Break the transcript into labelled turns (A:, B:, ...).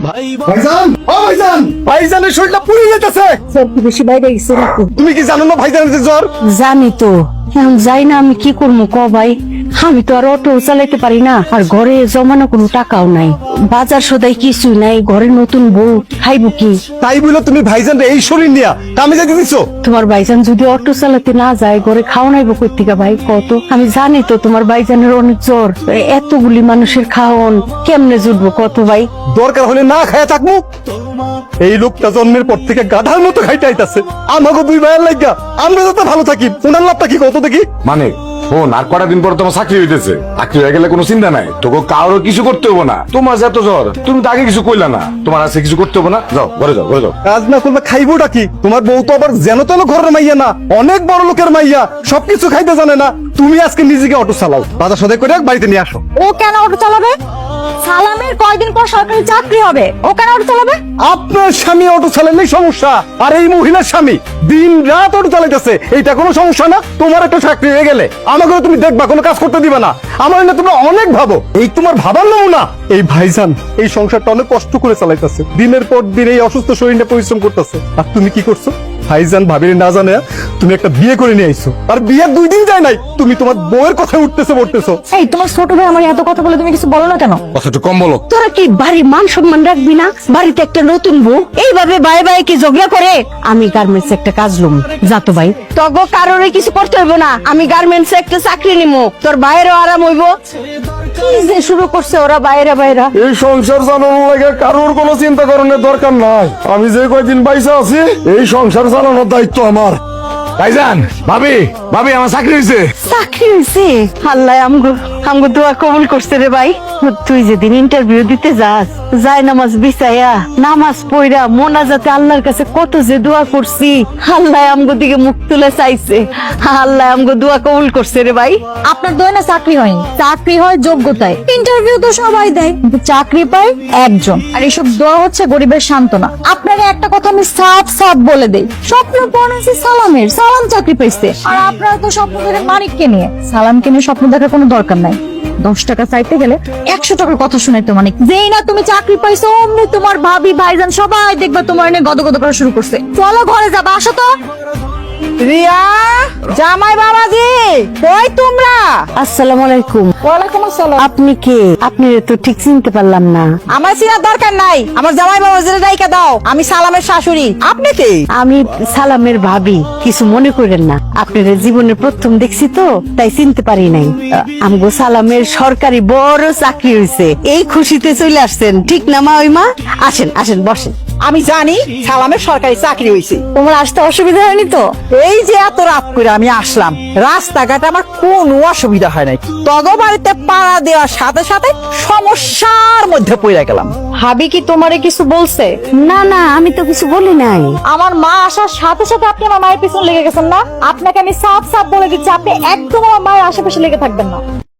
A: ভাইজান, ও ভাইজান, ভাইজানের শরীরটা পুড়ে যেতেছে।
B: জ্বর কি বেশি বাইরে গেছে নাকি?
A: তুমি কি জানো না ভাইজানের যে জ্বর?
B: জানি তো, এখন যাই না আমি কি করবো ক ভাই? আমি তো আর অটো চালাইতে পারি না, আর ঘরে জমানো কোনো টাকাও নাই, বাজার সদাই কিছু নাই, ঘরে নতুন বউ, খাইবো কি?
A: তাই বলে তুমি ভাইজান এই শরীর নিয়া কামে যেতে দিছো?
B: তোমার ভাইজান যদি অটো চালাতে না যায়, ঘরে খাওয়া নাইবো কই থেকে ভাই কত? আমি জানি তো তোমার ভাইজানের অনেক জ্বর, এতগুলি মানুষের খাওয়ান কেমনে জুটবো কত ভাই?
A: দরকার হলে না খায়া থাকবো। এই লোকটা জন্মের পর থেকে গাধার মতো খাইতে আইতাছে আমাকে দুই ভাইয়ের লাগা। আমরা যাতে ভালো থাকি, ওনার লাভটা কি কত দেখি?
C: মানে ফোন আর কটা দিন পর তোমার চাকরি হইতেছে, চাকরি হয়ে গেলে কোনো চিন্তা নাই, তোকে কারোর কিছু করতে হবো না। তোমার যত জ্বর, তুমি তো আগে কিছু কইলা না, তোমার আছে কিছু করতে হবো না। যাও ঘরে যাও, ঘরে যাও।
A: কাজ না করলে খাইবোটা কি? তোমার বউ তো আবার যেন তেন ঘরের মাইয়া না, অনেক বড় লোকের মাইয়া, সবকিছু খাইতে জানে না। তুমি আজকে নিজেকে অটো চালাও, বাজার সদাই করে বাড়িতে নিয়ে আসো।
D: ও কেন অটো চালাবে? সালামের কয়দিন পর সরকারি চাকরি হবে, ও কেন অটো চালাবে?
A: আপনার স্বামী অটো চালালেই সমস্যা, আর এই মহিলার স্বামী দিন রাত অটো চালাইতেছে, এইটা কোনো সমস্যা না? তোমার একটা চাকরি হয়ে গেলে আমাকেও তুমি দেখবা, কোনো কাজ করতে দিবা না। আমার না তোমরা অনেক ভাবো, এই তোমার ভাবার নমুনা। এই ভাইজান এই সংসারটা অনেক কষ্ট করে চালাইতেছে, দিনের পর দিন এই অসুস্থ শরীরটা পরিশ্রম করতেছে, আর তুমি কি করছো? ভাইজান ভাবির না জানে তুমি একটা বিয়ে করে নিয়ে আইছো, আর বিয়ের 2 দিন যায় নাই তুমি তোমার বউয়ের কথা উঠতেছে পড়তেছো।
D: এই তোমার ছোট ভাই আমার এত কথা বলে তুমি কিছু বলো না কেন?
C: কথা একটু কম বলো।
B: তোরা কি বাড়ি মান সম্মান রাখবি না? বাড়িতে একটা নতুন বউ এইভাবে বাই বাই কি ঝগড়া করে? আমি গার্মেন্টস একটা কাজ লুম, যা তো ভাই, তগো কারোরে কিছু করতে হইব না, আমি গার্মেন্টস একটা চাকরি নিমু, তোর বাইরেও আরাম হইব। কি যে শুরু করছে ওরা বাইরে বাইরা।
C: এই সংসার চালানোর লাগে কারোর কোনো চিন্তা করানোর দরকার নাই। আমি যে কয়দিন পয়সা আছি, এই সংসার চালানোর দায়িত্ব আমার। ভাইজান, ভাবি, ভাবি আমার চাকরি হয়েছে।
B: চাকরি হয়েছে? আল্লাহ আমগো দোয়া কবুল করছে রে ভাই। তুই যেদিন ইন্টারভিউ দিতে যাস, যায় নামাজ বিছাইয়া নামাজ পড়া মোনাজাতে আল্লাহর কাছে কত যে দোয়া করছি, আল্লাহ আমগো দিকে মুখ তুলে চাইছে, আল্লাহ আমগো দোয়া কবুল করছে রে ভাই।
D: আপনার দয় না চাকরি হয়নি, চাকরি হয় যোগ্যতায়। ইন্টারভিউ তো সবাই দেয়, কিন্তু চাকরি পায় একজন, আর এসব দোয়া হচ্ছে গরিবের সান্ত্বনা। আপনাকে একটা কথা আমি সাফ সাফ বলে দেই, স্বপ্ন পড়েছি সালামের, সালাম চাকরি পাইছে, আর আপনারা তো স্বপ্ন দেখেন মানিককে নিয়ে। সালামকে নিয়ে স্বপ্ন দেখার কোনো দরকার নাই। 10 টাকা চাইতে গেলে 100 টাকার কথা শুনাইতো মানিক। যেই না তুমি চাকরি পাইছো, অমনি তোমার ভাবি ভাইজান সবাই দেখবা তোমার নিয়ে গদগদ করা শুরু করছে। চলো ঘরে যাবা, আসো তো।
E: রিয়া, জামাই বাবাজি, কই তোমরা?
B: আসসালামু আলাইকুম।
E: ওয়ালাইকুম আসসালাম।
B: আপনি কে? আপনি তো ঠিক চিনতে পারলাম না।
E: আমার চিনার দরকার নাই, আমার জামাই বাবাজির রাইকা দাও। আমি সালামের শাশুড়ি। আপনি কে?
B: আমি সালামের ভাবি, কিছু মনে করেন না, আপনার জীবনের প্রথম দেখছি তো তাই চিনতে পারি নাই। আমগো সালামের সরকারি বড় চাকরি হয়েছে, এই খুশিতে চলে আসছেন ঠিক না মা? ওই মা, আসেন আসেন বসেন।
E: আমি জানি সালামের সরকারি চাকরি হয়েছে।
D: তোমার আসতে অসুবিধা হয়নি তো?
E: এই যে এত রাত করে আমি আসলাম, রাস্তাঘাটে আমার কোনো অসুবিধা হয় নাই। তগ বাড়িতে পাড়া দেওয়ার সাথে সাথে সমস্যার মধ্যে পড়ে গেলাম।
D: ভাবি কি তোমারে কিছু বলছে?
B: না না, আমি তো কিছু বলি নাই।
D: আমার মা আসার সাথে সাথে আপনি আমার মায়ের পিছনে লেগে গেছেন না? আপনাকে আমি সাফ সাফ বলে দিচ্ছি, আপনি একদম আমার মায়ের আশেপাশে লেগে থাকবেন না।